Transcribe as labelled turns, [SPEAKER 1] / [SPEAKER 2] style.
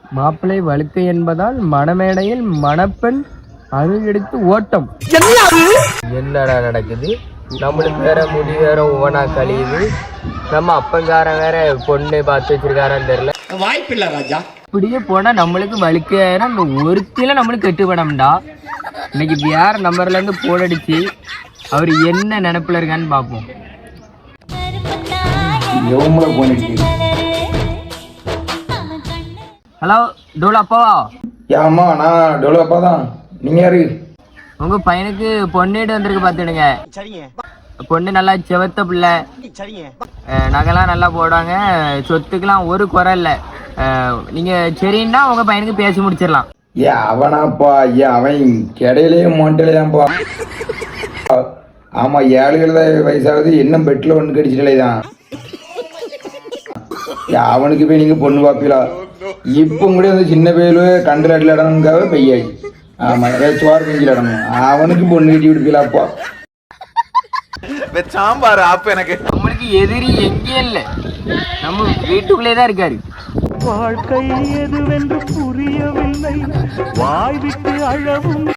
[SPEAKER 1] மாப்பிள்ளை வழுக்கை என்பதால் மணமேடையில் மணப்பெண் அருகெடுத்து ஓட்டம். என்னடா நடக்குது? நம்மளுக்கு வேற முடி வேற ஒவ்வொன்றா கழியுது. நம்ம அப்பங்காரன் வேற பொண்ணு பார்த்து வச்சிருக்காரான்னு தெரியல.
[SPEAKER 2] வாய்ப்பில்லை ராஜா.
[SPEAKER 1] இப்படியே போனா நம்மளுக்கு வழுக்கையாயிரம். இந்த ஒருத்தில நம்மளுக்கு கெட்டுப்படம்டா. இன்னைக்கு வேற நம்பர்ல இருந்து போன் அடிச்சு அவர் என்ன நினைப்புல இருக்கான்னு பார்ப்போம். ஹலோ டோலா அப்பாவா?
[SPEAKER 3] ஆமா, நான் டோலா அப்பா தான். நீங்க யாரு?
[SPEAKER 1] உங்க பையனுக்கு பொண்ணேட்டு வந்திருக்கு பாத்துடுங்க. பொண்ணு நல்லா செவத்த பிள்ளை, நகைலாம் நல்லா போடுவாங்க, சொத்துக்கெல்லாம் ஒரு குறை இல்லை. நீங்க சரின்னா உங்க பையனுக்கு பேசி முடிச்சிடலாம்.
[SPEAKER 3] அவனாப்பா? அவன் கிடையிலேயே மொண்டையிலேதான்ப்பா. ஆமா, 7 வயசாகுது, இன்னும் பெட்ல ஒன்று கடிச்சிட்டே தான். அவனுக்கு போய் நீங்க பொண்ணு பாப்பீங்களா? இப்போ கூட வந்து சின்ன பேரு கண்டல் இடம்காக பெய்யாச்சு. ஆமா, சோறு பெஞ்சில் இடணும். அவனுக்கு பொண்ணு கட்டி விடுப்பீங்களாப்பா?
[SPEAKER 2] சாம்பார் ஆப்பு எனக்கு.
[SPEAKER 1] நம்மளுக்கு எதிரி எங்கே இல்லை, நம்ம வீட்டுக்குள்ளே தான் இருக்காரு.
[SPEAKER 4] வாழ்க்கை எதுவென்று புரியவில்லை, வாய் விட்டு அழவும்